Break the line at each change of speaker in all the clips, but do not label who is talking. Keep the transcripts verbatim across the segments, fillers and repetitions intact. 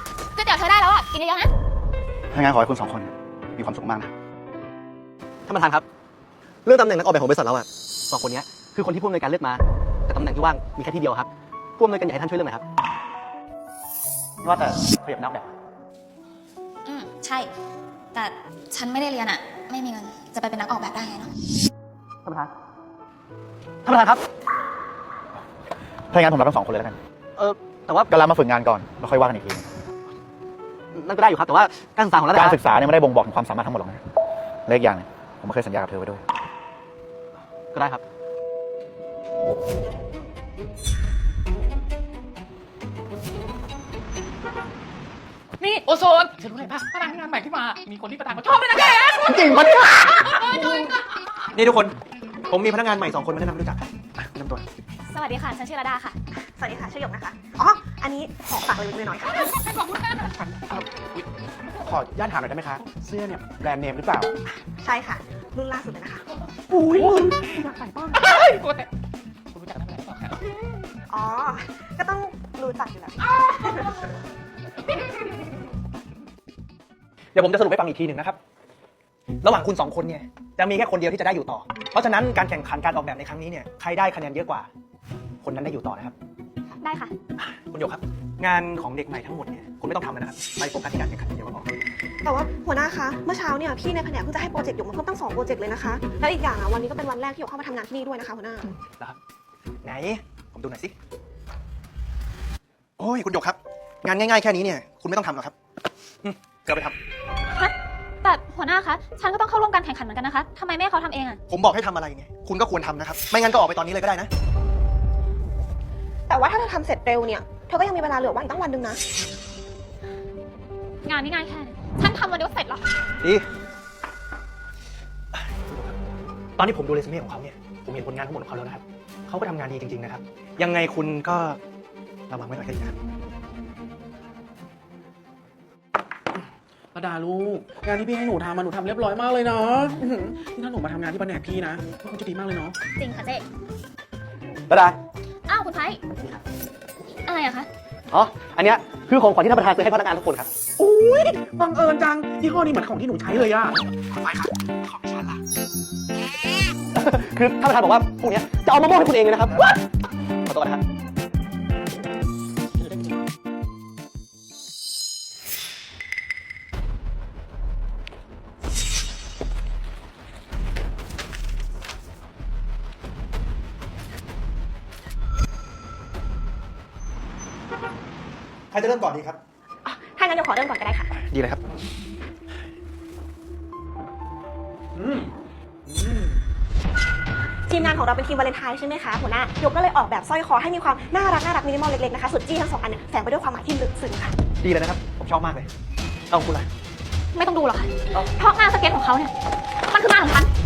ก๋วยเตี๋ยวเธอได้แล้วอ่ะกินเยอะๆนะ
ถ้างั้นขอให้คุณสองคนมีความสุขมากนะ
ท่านประธานครับเรื่องตำแหน่งนักออกแบบของบริษัทเราอะสองคนนี้คือคนที่ผู้อำนวยการเลือกมาแต่ตำแหน่งที่ว่างมีแค่ที่เดียวครับผู้อำนวยการอยากให้ท่านช่วยเรื่องไหนครับ
ว่าแต่ขยับนักแบบ
อืมใช่แต่ฉันไม่ได้เรียนอ่ะไม่มีเงินจะไปเป็นนักออกแบบได้ไงเนาะ
ท่านประธานท่านประธานครับ
ถ้างั้นผมรับทั้งสองคนเลยแล้วกัน
เออแต่ว่า
ก็รับมาฝึกงานก่อนแล้วค่อยว่ากันอีกที
นั่นก็ได้อยู่ครับแต่ว่าการศึกษาของเรา
การศึกษาเนี่ยไม่ได้บ่งบอกถึงความสามารถทั้งหมดหรอกนะเล็กอย่างนึงผมเคยสัญญากับเธอไว้ด้วย
ก็ได้ครับ
นี่โอโซนฉันรู้อะไรป่ะพนักงานใหม่ที่มามีคนที่ประธานเขาชอบเลยนะแก
จริงปะเนี่ย
นี่ทุกคนผมมีพนักงานใหม่สองคนมาแนะนำรู้จักกันแนะนำตัว
สวัสดีค่ะฉันชื่อระดาค่ะ
สวัสดีค่ะชื่อหยกนะคะอ๋ออันนี้ขอฝากเลยนิดหน่อยค่ะ
ขอบคุณค่ะ
ขอญาตถามหน่อยได้ไหมคะเสื้อเนี่ยแบรนด์เนมหรือเปล่า
ใช่ค่ะรุ่นล่าสุดเลยนะคะ
อุ้ยอยากใส่บ้างกูแต่คุณรู้จักทำอะไรต่อครับ
อ๋อก็ต้องรู้จักอยู่แล้ว
เดี๋ยวผมจะสรุปให้ฟังอีกทีหนึ่งนะครับระหว่างคุณสองคนเนี่ยจะมีแค่คนเดียวที่จะได้อยู่ต่อเพราะฉะนั้นการแข่งขันการออกแบบในครั้งนี้เนี่ยใครได้คะแนนเยอะกว่าคนนั้นได้อยู่ต่อนะครับ
ได้ค่ะ
คุณโยกครับงานของเด็กใหม่ทั้งหมดเนี่ยคุณไม่ต้องทำแล้วนะครับไปโฟกัสที่การแข่งขันเดียวก็พอ
แต่ว่าหัวหน้าคะเมื่อเช้าเนี่ยพี่ในแผนกเพิ่งจะให้โปรเจกต์หยกมาเพิ่มตั้งสองโปรเจกต์เลยนะคะแล้วอีกอย่างอ่ะวันนี้ก็เป็นวันแรกที่หยกเข้ามาทำงานที่นี่ด้วยนะคะหัวหน้า
ครับไหนผมดูหน่อยสิโอ้ยคุณโยกครับงานง่ายๆแค่นี้เนี่ยคุณไม่ต้องทำหรอกครับเกิดไปทำ
ฮะแต่หัวหน้าคะฉันก็ต้องเข้าร่วมการแข่งขันเหมือนกันนะคะทำไมแม่เขาทำเองอ่ะ
ผมบอกให้ทำอะไรเนี่ยคุณก็ควรทำนะครับไม่งั้นก็ออกไปตอนนี้เลยก็ได้นะ
แต่ว่าถ้าเธอทำเสร็จเร็วเนี่ยเธอก็ยังมีเวลาเหลือวันอีกตั้งวันหนึ่งนะ
งานง่ายๆแค่นี้ฉันทำวันเดียวเสร็จหรอ
ดีตอนที่ผมดูเรซูเม่ของเขาเนี่ยผมเห็นผลงานทั้งหมดของเขาแล้วนะครับเขาก็ทำงานดีจริงๆนะครับยังไงคุณก็ระวังไว้หน่อยก็ดีนะครับ
ระดาลูกงานที่พี่ให้หนูทำมาหนูทำเรียบร้อยมากเลยเนาะที่ถ้าหนูมาทำงานที่แผนกพี่นะก็คงจะดีมากเลยเนาะ
จริงค่ะเจ๊
ระดา
อ้าวคุณไพอะไรอะคะ
อ๋ออันเนี้ยคือของขวัญที่ท่านประธานซื้อให้พนักงานทุกคนครับ
อุ้ยบังเอิญจังที่ข้อนี้เหมือนของที่หนูใช้เลยอะ
ไปครับของฉันล่ะคือท่านประธานบอกว่าพวกนี้จะเอามามอบให้คุณเองเลยนะครับขอตัวนะครับใครจะเริ่มก่อนดีครับ
ถ้างั้นเดี๋ยวขอเริ่มก่อนก็ได้ค่ะ
ดีเลยครับ
ทีมงานของเราเป็นทีมวาเลนไทน์ใช่ไหมคะหัวหน้าหยกก็เลยออกแบบสร้อยคอให้มีความน่ารักน่ารักมินิมอลเล็กๆนะคะส่วนจี้ทั้งสองอันเนี่ยแฝงไปด้วยความหมายที่ลึกซึ้งค่ะ
ดีเลยนะครับผมชอบมากเลยเอาคุณล่ะ
ไม่ต้องดูหรอกค่ะเพราะงานสเก็ตของเขาเนี่ยมันคืองานของฉัน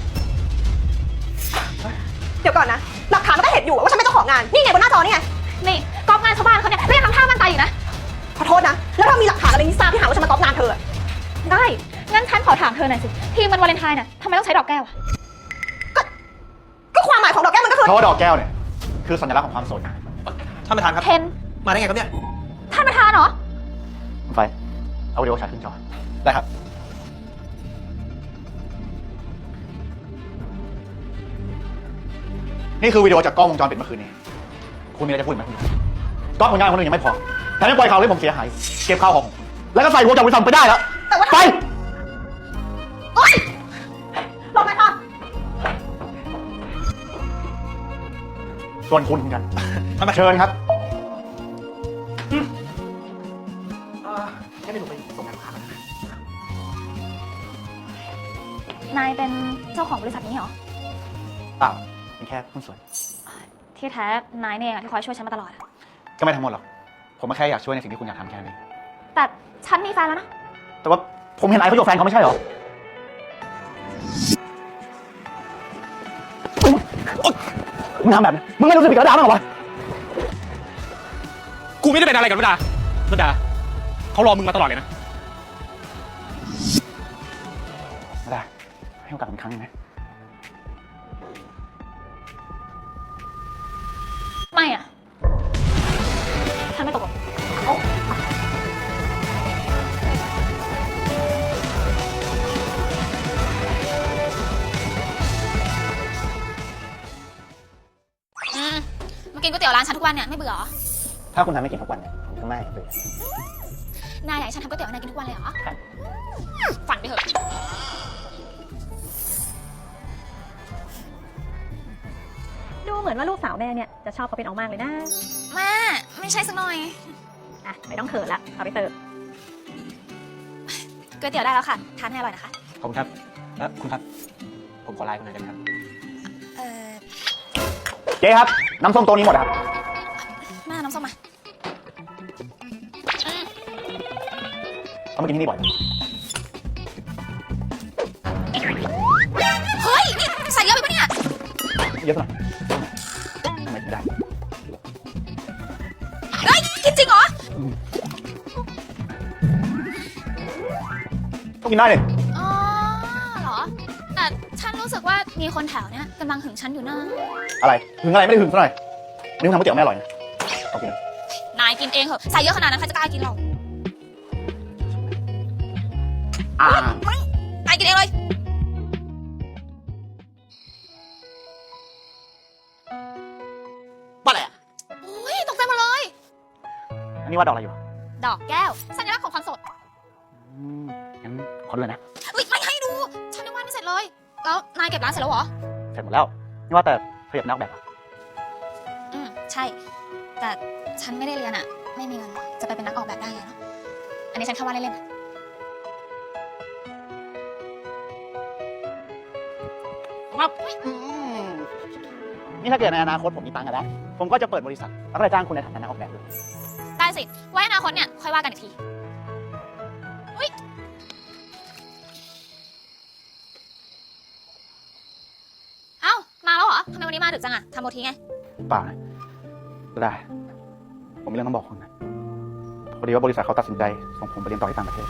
เดี๋ยวก่อนนะหลักฐานมันก็เห็นอยู่ว่าฉันเป็นเจ้าของงานนี่ไงบนหน้าจอนี่ไง
นี่ก๊อปงานชาวบ้านเขาเนี่ยเรียกทำท่ามั่นใจอยู่นะ
ขอโทษนะแล้วถ้ามีหลักฐานอะไรนี่ทราบที่หาว่าฉันมาก๊อปงานเธอ
ได้งั้นฉันขอถามเธอหน่อยสิทีมมันวาเลนไทน์เนี่ยทำไมต้องใช้ดอกแก้วอะ
ก็ก็ความหมายของดอกแก้วมันก็คือ
เพราะว่าดอกแก้วเนี่ยคือสัญลักษณ์ของความโสด
ท่านประธานครับ
เทน
มาได้ไงครับเนี่ย
ท่านประธานเหรอ
ไฟเอาวิดีโอฉายขึ้นจอได้ครับนี่คือวิดีโอจากกล้องวงจรปิดเมื่อคืนนี้คุณมีอะไรจะพูดไหมคุณกล้องผลงานคนอื่นยังไม่พอแถมยังปล่อยข่าวให้ผมเสียหายเก็บข้าวของแล้วก็ใส่หัวจากบริษัทไปได้แล้วไป
โอ๊ยลงไปค่ะ
ส่วนคุณเหมือนกันมาเชิญครับ
แค่ไม่หนูไปส่งงานลูกค้ากันนะ
นายเป็นเจ้าของบริษัทนี้เหรอ
เปล่าเป็นแค่หุ้นส่วน
ที่แท้นายเนี่ยที่คอยช่วยฉันมาตลอด
ก็ไม่ทั้งหมดหรอกผมก็แค่อยากช่วยในสิ่งที่คุณอยากทำแค่นี้
แต่ฉันมีแฟนแล้วนะ
แต่ว่าผมเห็นไอ้เขาอยู่แฟนเขาไม่ใช่เหรอมึงทำแบบนี้มึงไม่รู้สึกผิดกับดาบ้างเหรอวะ
กูไม่ได้เป็นอะไรกับระดาระดาเขารอมึงมาตลอดเลยนะ
ระดาให้โอกาสผมครั้งนึงนะ
ไม่อะฉันไม่ตกลงยวร้านฉันทุกวันเนี่ยไม่เบื่อเหรอ
ถ้าคุณทำไม่กินทุกวันเนี่ยผมก็ไม่เบื่อน
ายอยากให้ฉันทำก๋วยเตี๋ยวให้นายกินทุกวันเลยเหรอ
ครับ
ฝันไปเถอะ
ดูเหมือนว่าลูกสาวแม่เนี่ยจะชอบเขาเป็นออกมากเลยนะ
แม่ไม่ใช่สักหน่อย
อ่ะไม่ต้องเขินละเอาไปเสิร์ฟ
ก๋วยเตี๋ยวได้แล้วค่ะทานให้อร่อยนะคะ
ขอบคุณครับแล้วคุณครับ ผมขอไลน์คุณหน่อยได้ไหมครับ
เออ
เจ๊ครับ น้ำส้มโต๊ะนี้หมดครับ
แม่น้ำส้มมาอืม
เขามากินที่นี่บ่อย
เฮ้ยนี่ใส่เยอะไปปะเนี่ย
เยอะสักหน่อยทำไมถึงได้
เฮ้ยกินจริงเหรอ
ต้องกินได้เลย
อ๋อเหรอ แต่ฉันรู้สึกว่ามีคนแถวเนี้ยกำลังหึงฉันอยู่นะ
อะไรหึงอะไรไม่ได้หึงซะหน่อยอันนี้คุณทำก๋วยเตี๋ยวไม่อร่อยนะโอเคน
ายกินเองเหอะใส่เยอะขนาดนั้นใครจะกล้ากินเรา
อ่า
ไม่นายกินเองเลย
บ้าอะไรอ่ะ
โอ้ยตกใจหมดเลย
อันนี้ว่าดอกอะไรอยู่
ดอกแก้วสัญลักษณ์ของความสด
อืมงั้นขอดูหน่อยนะ
อุ้ยไม่ให้ดู ฉันยังวาดไม่เสร็จเลย แล้วนายเก็บร้านเสร็จแล้วเหรอ
เสร็จหมดแล้วนี่ว่าแต่เธออยากเป็นนักออกแบบเหรอ
อืมใช่ แต่ฉันไม่ได้เรียนอะไม่มีเงินจะไปเป็นนักออกแบบได้ไงเนาะ อันนี้ฉันแค่ว่าเล่นๆอะ
ครับอืมนี่ถ้าเกิดในอนาคตผมมีตังค์กันแล้ว ผมก็จะเปิดบริษัทแล้วก็จะจ้างคุณในฐานะนักออกแบบเลย
ได้สิ ไว้อนาคตเนี่ยค่อยว่ากันอีกทีอุ้ยเอ้ามาแล้วเหรอทำไมวันนี้มาดึกจังอะทำโอทีไง
เปล่านะก็ได้ ผมมีเรื่องต้องบอกคุณนะพอดีว่าบริษัทเขาตัดสินใจส่งผมไปเรียนต่อที่ต่างประเทศ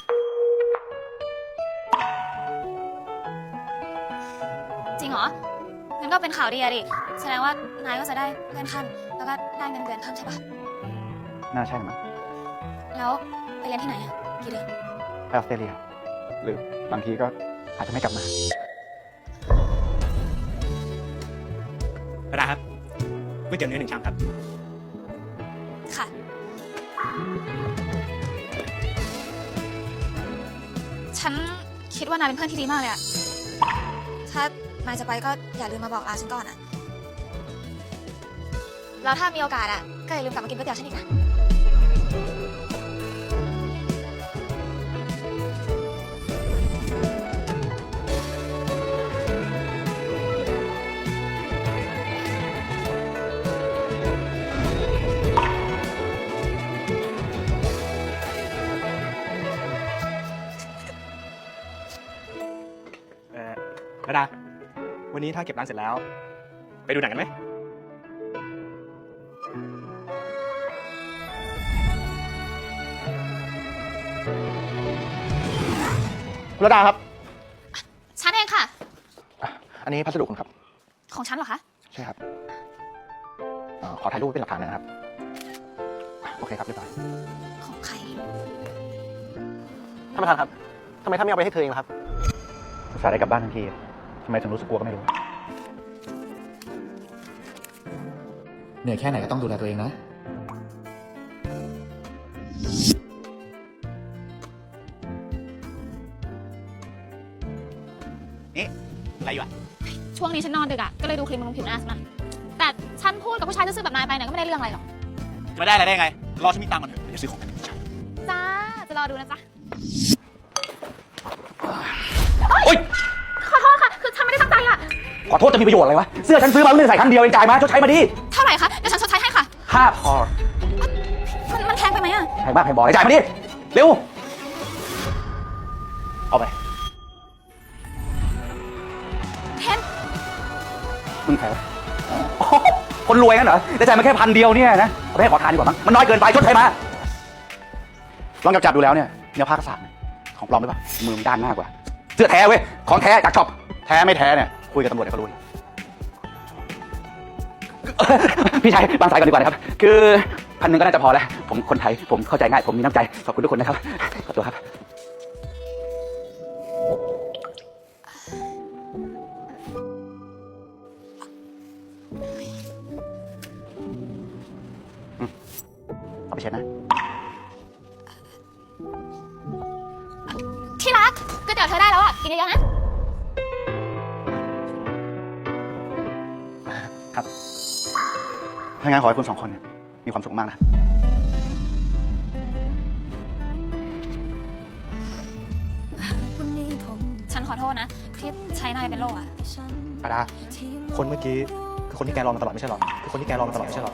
จริงเหรอ งั้นก็เป็นข่าวดีอะดิ แสดงว่านายก็จะได้เลื่อนขั้น แล้วก็ได้เงินเดือนเพิ่มใช่ปะ
น่าใช่มั้ง
แล้วไปเรียนที่ไหนอะกี่เดือน
ไปออสเตรเลีย หรือบางทีก็อาจจะไม่กลับมา
ประดาครับก๋วยเตี๋ยวเนื้อหนึ่งชามครับ
ค่ะ ฉันคิดว่านายเป็นเพื่อนที่ดีมากเลยอะถ้านายจะไปก็อย่าลืมมาบอกลาฉันก่อนอะแล้วถ้ามีโอกาสอะก็อย่าลืมกลับมากินก๋วยเตี๋ยวฉันอีกนะ
เออประดา วันนี้ถ้าเก็บร้านเสร็จแล้ว ไปดูหนังกันไหม
คุณระดาครับ
ฉันเองค่ะ
อันนี้พัสดุคุณครับ
ของฉันเหรอคะ
ใช่ครับเอ่อขอถ่ายรูปไว้เป็นหลักฐานหนอยนะครับ โอเคครับเรียบร้อย
ของใคร
ท่านประธานครับทำไมท่านไม่เอาไปให้เธอเองล่ะครับ
อุตส่าห์ได้กลับบ้านทันทีทำไมถึงรู้สึกกลัวก็ไม่รู้
เหนื่อยแค่ไหนก็ต้องดูแลตัวเองนะ
นี่ อะไรอยู่อ่ะ
ช่วงนี้ฉันนอนดึกอะก็เลยดูคลิปบำรุงผิวหน้าสักหน่อยแต่ฉันพูดกับผู้ชายซื่อๆแบบนายไปเนี่ยก็ไม่ได้เรื่องอะไรหรอก
จะไม่ได้อะไรได้ไง รอฉันมีตังค์ก่อนเถอะเดี๋ยวซื้อของกัน
จ้า จะรอดูนะจ๊ะ
โอ๊ย
ขอโทษค่ะ คือฉันไม่ได้ตั้งใจอะ
ขอโทษจะมีประโยชน์อะไรวะ เสื้อฉันซื้อมาเพิ่งใส่ครั้งเดียวเองจ่ายมาชดใช้มาดิ
เท่าไหร่คะ เดี๋ยวฉันชดใช้ให้ค่ะ
ห้าพอ
มันมันแพงไปไหมอะ
แพงมากแพงบอกเลยจ่ายมาดิ เร็ว เอาไป
เทน
มึงแพ้คนรวยงั้นเหรอได้จ่ายมาแค่พันเดียวเนี่ยนะเอาไปให้ขอทานดีกว่ามั้งมันน้อยเกินไปชดใช้มา ลองจับจับดูแล้วเนี่ยเนื้อผ้ากระสานเนี่ยของปลอมหรือเปล่ามือมันด้านมากกว่า เสื้อแท้เว้ย ของแท้จากช็อป แท้ไม่แท้เนี่ยคุยกับตำรวจเดี๋ยวเขารู้ พี่ชายบางสายก่อนดีกว่านะครับ คือพันหนึ่งก็น่าจะพอแล้ว ผมคนไทย ผมเข้าใจง่าย ผมมีน้ำใจ ขอบคุณทุกคนนะครับ ขอตัวครับ
น
เอาไปเช็ดนะ
ที่รักก๋วยเตี๋ยวเธอได้แล้วอ่ะ กินเยอะๆนะ
ครับ ถ้างั้นขอให้คุณสองคนเนี่ยมีความสุขมากนะ
ฉันขอโทษนะ ที่ใช้นายเป็นโล่อะ
ปาดา คนเมื่อกี้คือคนที่แกรอมาตลอดไม่ใช่หรอ คือคนที่แกรอมาตลอดไม่ใช่หรอ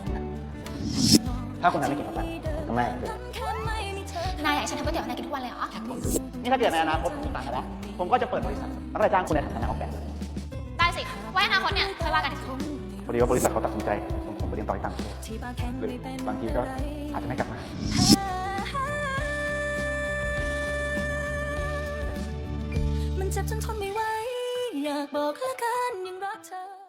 ถ้าคุณนั้นไม่กินกับมันผมก็ไม่เลย
นายอยากให้ฉันทำก๋วยเตี๋ยวให้นายกินทุกวันเลยเหรอ
นี่ถ้าเกิดในอนาคตผมต่างกันแล้ว ผมก็จะเปิดบริษัทแล้วก็จะจ้างคุณในฐานะออกแบบ
ได้สิ ไว้อนาคตเนี่ยค่อยว่ากันอีกที
พอดีว่าบริษัทเขาตัดสินใจส่งผมไปเรียนต่อที่ต่างประเทศหรือบางทีก็อาจจะไม่กลับมา
มันเจ็บจนทนไม่ไหว อยากบอกเหลือเกินยังรักเธอ